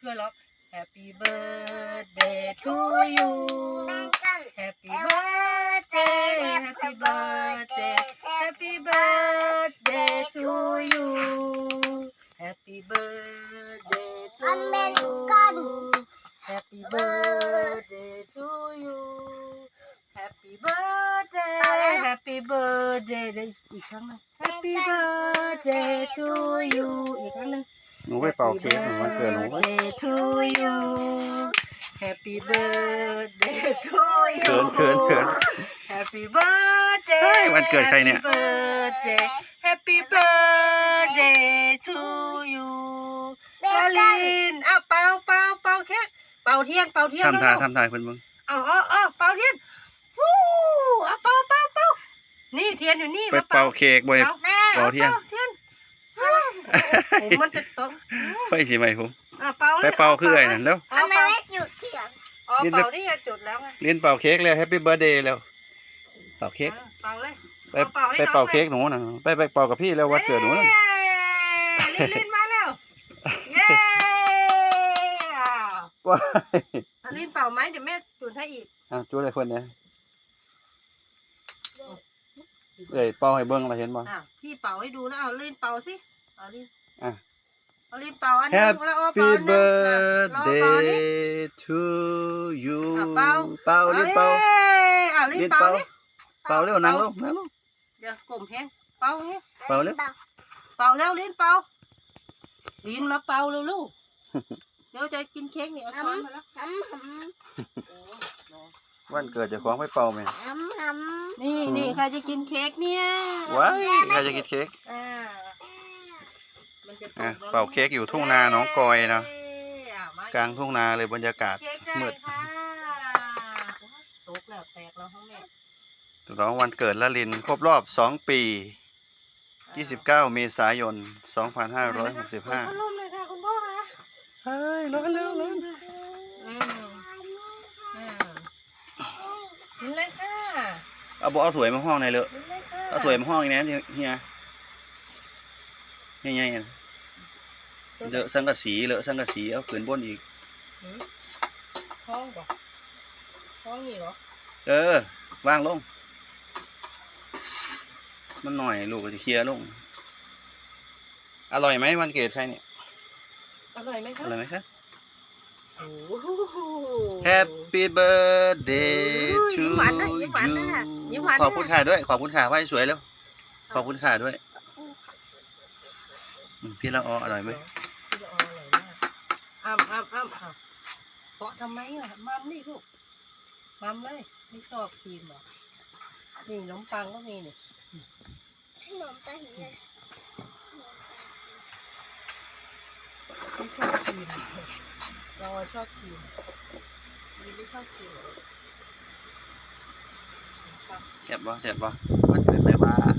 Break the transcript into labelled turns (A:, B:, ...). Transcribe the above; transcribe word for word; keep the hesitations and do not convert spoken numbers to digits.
A: ช่วยร้อง Happy birthday to you Happy birthday Happy birthday Happy birthday to you Happy birthday to you Happy birthday to you Happy birthday Happy birthday ได้อีกครั้งนึง Happy birthday to you อีกครั้งนึง
B: หนูไปเป่าเค้กหนูวันเกิดหนูไป
A: Happy birthday to you Happy birthday to you
B: เขินเขินเขิน
A: Happy birthday
B: เฮ้ยวันเกิดใครเนี่ย
A: Happy birthday Happy birthday to you ลาลินอ้าวเป่าเป่าเป่าเค้กเป่าเทียนเป่าเทียน
B: ทำทายทำทายเพิ่นมึง
A: เอาเอาเอาเป่าเทียนฟู้เอาเป่าเป่าเป่านี่เทียนอยู่นี่
B: ไปเป่าเค้กบ่ได้ เป่าเทียน
A: เทียนผมมันจะตก
B: ไฟสิไหมผม
A: อ่ะเป่าลย
B: ไปเป่าคือไอ้นั่นแล้ว
A: ทำไมไม่จุดเทียนอ๋อเป่านี่ไงจุดแล้วไง
B: เล่นเป่าเค้กแล้วแฮปปี้เบิร์ธเดย์แล้วเป่าเค้ก
A: เป่าเลย
B: ไปไปเป่าเค้กหนูนะไปไปเป่ากับพี่แล้ววันเกิดหนูนะ
A: ลินลินมาแล้วเย้อ้าว
B: ว้าย
A: ลินเป่าไหมเดี๋ยวแม่จุดให้อีก
B: อ่ะจู้เลยคนเนี้ยเอ้ยเป่าให้เบิ้งเราเห็นบ่
A: อ่ะพี่เป่าให้ดูนะเอาลินเป่าสิเอาลิน
B: อ่ะ
A: เอาลินเป่าอันนึงแล้วเอาเป่า
B: Happy
A: อันนึงรอเป่านี่
B: birthday to you
A: อ่ะเป่า
B: เป่าลิ้นเป่า
A: อ่ะลิน
B: ลิ้น
A: เป่า
B: เป่า
A: ดิ
B: เป่าเร็วนั่งลงนั่งลง
A: เดี๋ยวกลมแห้งเป่าแห้ง
B: เป่าเร็ว
A: เป่าแล้วลินเป่าลินมาเป่าเร็วลูกเดี๋ยวจะกินเค้กนี่เอาช้อนมาแล้ว
B: วันเกิดเจะคล้าของไปเป่าไหม
A: นี่นี่ใครจะกินเค้กเนี่ย
B: ว้ายใครจะกินเค้ก
A: อ่ามันจะตก
B: อ่ะ
A: แล้ว
B: เป่าเค้กอยู่ทุ่งนาหนองกอยนะ
A: เอ้ยอ่ะม
B: กลางทุ่งนาเลยบรรยากาศ
A: เค้กได้
B: มืด
A: ค่ะตกแล้วแตกแล้วห้องแม่
B: ร้องวันเกิดละลินครบรอบสองปียี่สิบเก้าเมษายนสองพันห้าร้อยหกสิบห้า
A: พัดลมเลยค่ะคุณพ่อคะ
B: เฮ้ยร้อนแล้วร้อน
A: อืมอืมกินเลยค่ะ
B: เอาบอกเอาถ้วยมาห้องในอยเลย
A: กินเลยค่ะ
B: เอาถ้วยมาห้องอีกนะเฮียเฮียเฮียเฮียเลอะสังกะสีเลอะสังกะสีเอาขืนบนอีก
A: หืมห้องป่ะห้องนี่เหรอ
B: เออวางลงมันหน่อยลูกก็จะเคลียร์ลงอร่อยไหมวันเกิดใครเนี่ย
A: อร่อยไหม
B: อ
A: คะ
B: ร่อยไหมคะ
A: โอ้โห
B: Happy birthday
A: ยิ้
B: to
A: มหวานด้วยยิ้มหวานด้วย
B: you
A: ยิ้มหวานด้วย
B: ขอบคุณค่ะด้วย ขอบคุณค่ะไหว้สวยแล้ว ขอบคุณค่ะด้วยอืมพี่ละอออร่อยไหม
A: พี่ละอออร่อยมากอ้ำอ้ำอ้ำอ้ำเพาะทำไมอ่ะมัมนี่ลูกมัมเลยไม่ชอบครีมเหรอนี่ขนมปังก็มีนี่
C: ขนมปังเนี่ย
A: ไม่ชอบครีมเราชอบครีมมีไม่ชอบครีมเหรอขนมปัง
B: เจ็บบ่เจ็บบ่วันเกิดไปว่า